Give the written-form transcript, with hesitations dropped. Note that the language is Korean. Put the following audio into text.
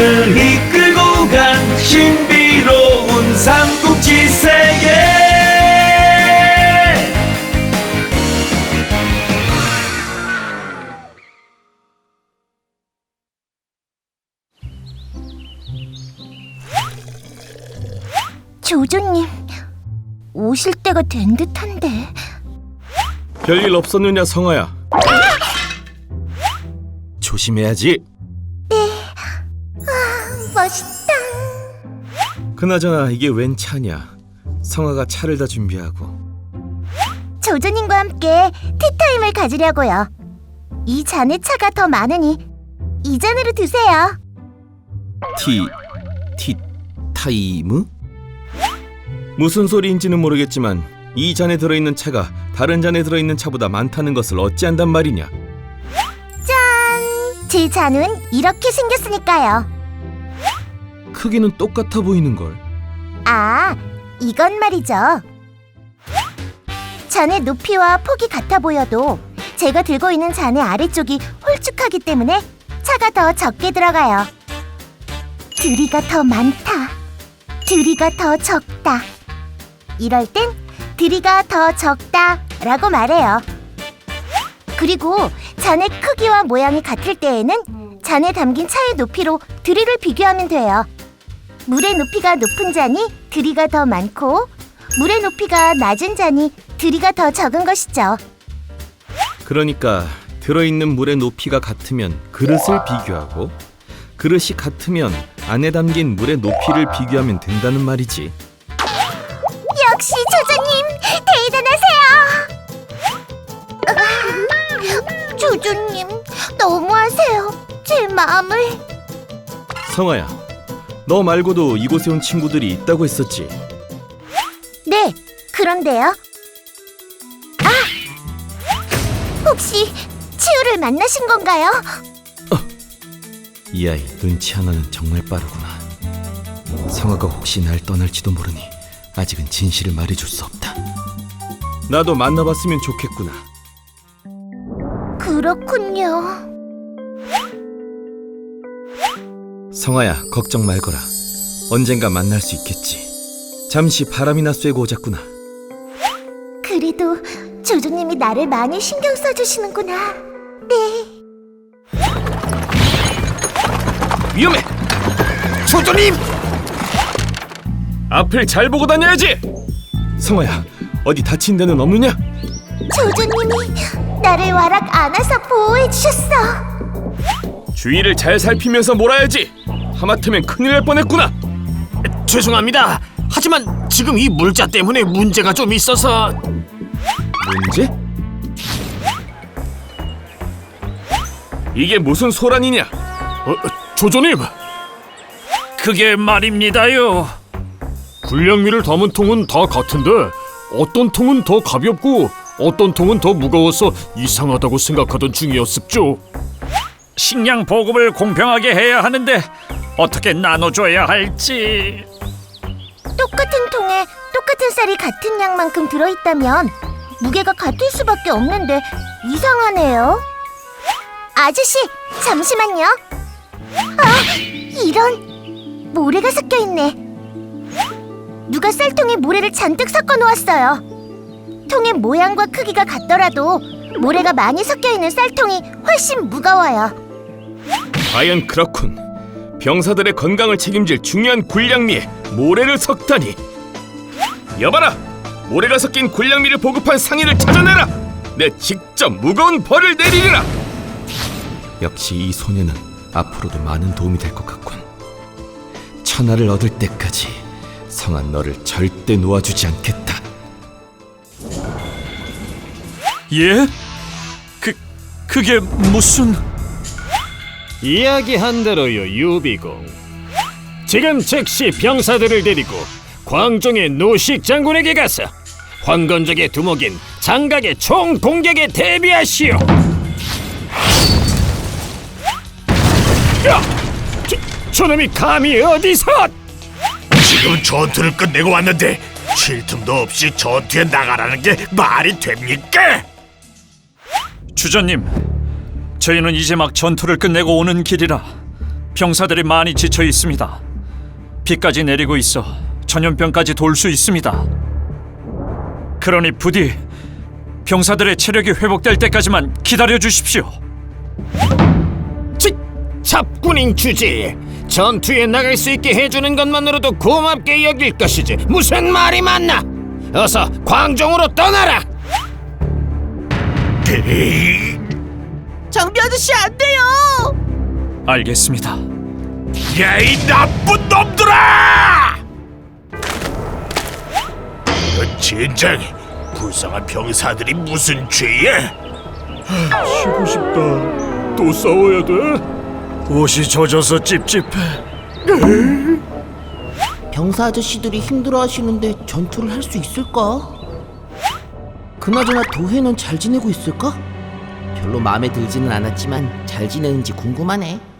우리를 이끌고 간 신비로운 삼국지 세계. 조조님, 오실 때가 된 듯한데. 별일 없었느냐 성아야? 조심해야지. 멋있다. 그나저나 이게 웬 차냐? 성아가 차를 다 준비하고. 조조님과 함께 티타임을 가지려고요. 이 잔에 차가 더 많으니 이 잔으로 드세요. 타이무? 무슨 소리인지는 모르겠지만 이 잔에 들어있는 차가 다른 잔에 들어있는 차보다 많다는 것을 어찌한단 말이냐? 짠! 제 잔은 이렇게 생겼으니까요. 크기는 똑같아 보이는걸. 아, 이건 말이죠. 잔의 높이와 폭이 같아 보여도 제가 들고 있는 잔의 아래쪽이 홀쭉하기 때문에 차가 더 적게 들어가요. 들이가 더 많다. 들이가 더 적다. 이럴 땐 들이가 더 적다 라고 말해요. 그리고 잔의 크기와 모양이 같을 때에는 잔에 담긴 차의 높이로 들이를 비교하면 돼요. 물의 높이가 높은 잔이 들이가 더 많고 물의 높이가 낮은 잔이 들이가 더 적은 것이죠. 그러니까 들어있는 물의 높이가 같으면 그릇을 비교하고 그릇이 같으면 안에 담긴 물의 높이를 비교하면 된다는 말이지. 역시 조조님 대단하세요. 조조님 너무하세요. 제 마음을. 성아야, 너 말고도 이곳에 온 친구들이 있다고 했었지? 네, 그런데요. 혹시 치우를 만나신 건가요? 이 아이 눈치 하나는 정말 빠르구나. 성아가 혹시 날 떠날지도 모르니 아직은 진실을 말해줄 수 없다. 나도 만나봤으면 좋겠구나. 그렇군요. 성아야, 걱정 말거라. 언젠가 만날 수 있겠지. 잠시 바람이나 쐬고 오자꾸나. 그래도 조조님이 나를 많이 신경 써주시는구나. 네. 위험해! 조조님! 앞을 잘 보고 다녀야지! 성아야, 어디 다친 데는 없느냐? 조조님이 나를 와락 안아서 보호해주셨어. 주위를 잘 살피면서 몰아야지! 하마터면 큰일 날 뻔했구나! 죄송합니다. 하지만 지금 이 물자 때문에 문제가 좀 있어서. 문제? 이게 무슨 소란이냐? 조조님, 그게 말입니다요. 군량미를 담은 통은 다 같은데 어떤 통은 더 가볍고 어떤 통은 더 무거워서 이상하다고 생각하던 중이었습죠. 식량 보급을 공평하게 해야 하는데 어떻게 나눠줘야 할지. 똑같은 통에 똑같은 쌀이 같은 양만큼 들어있다면 무게가 같을 수밖에 없는데 이상하네요. 아저씨, 잠시만요. 이런, 모래가 섞여있네. 누가 쌀통에 모래를 잔뜩 섞어 놓았어요. 통의 모양과 크기가 같더라도 모래가 많이 섞여있는 쌀통이 훨씬 무거워요. 과연 그렇군. 병사들의 건강을 책임질 중요한 군량미에 모래를 섞다니. 여봐라! 모래가 섞인 군량미를 보급한 상인을 찾아내라! 내 직접 무거운 벌을 내리리라! 역시 이 소녀는 앞으로도 많은 도움이 될 것 같군. 천하를 얻을 때까지 성아 너를 절대 놓아주지 않겠다. 예? 그게 무슨... 이야기한 대로요, 유비공. 지금 즉시 병사들을 데리고 광종의 노식 장군에게 가서 황건적의 두목인 장각의 총 공격에 대비하시오. 야! 저놈이 감히 어디서! 지금 전투를 끝내고 왔는데 쉴 틈도 없이 전투에 나가라는 게 말이 됩니까? 주전님, 저희는 이제 막 전투를 끝내고 오는 길이라 병사들이 많이 지쳐 있습니다. 비까지 내리고 있어 전염병까지 돌 수 있습니다. 그러니 부디 병사들의 체력이 회복될 때까지만 기다려 주십시오. 잡군인 주제. 전투에 나갈 수 있게 해주는 것만으로도 고맙게 여길 것이지 무슨 말이 많나? 어서 광종으로 떠나라. 장비 아저씨 안 돼요. 알겠습니다. 야, 이 나쁜 놈들아! 이런 젠장! 불쌍한 병사들이 무슨 죄야? 쉬고 싶다. 또 싸워야 돼? 옷이 젖어서 찝찝해. 병사 아저씨들이 힘들어하시는데 전투를 할 수 있을까? 그나저나 도해는 잘 지내고 있을까? 별로 마음에 들지는 않았지만 잘 지내는지 궁금하네.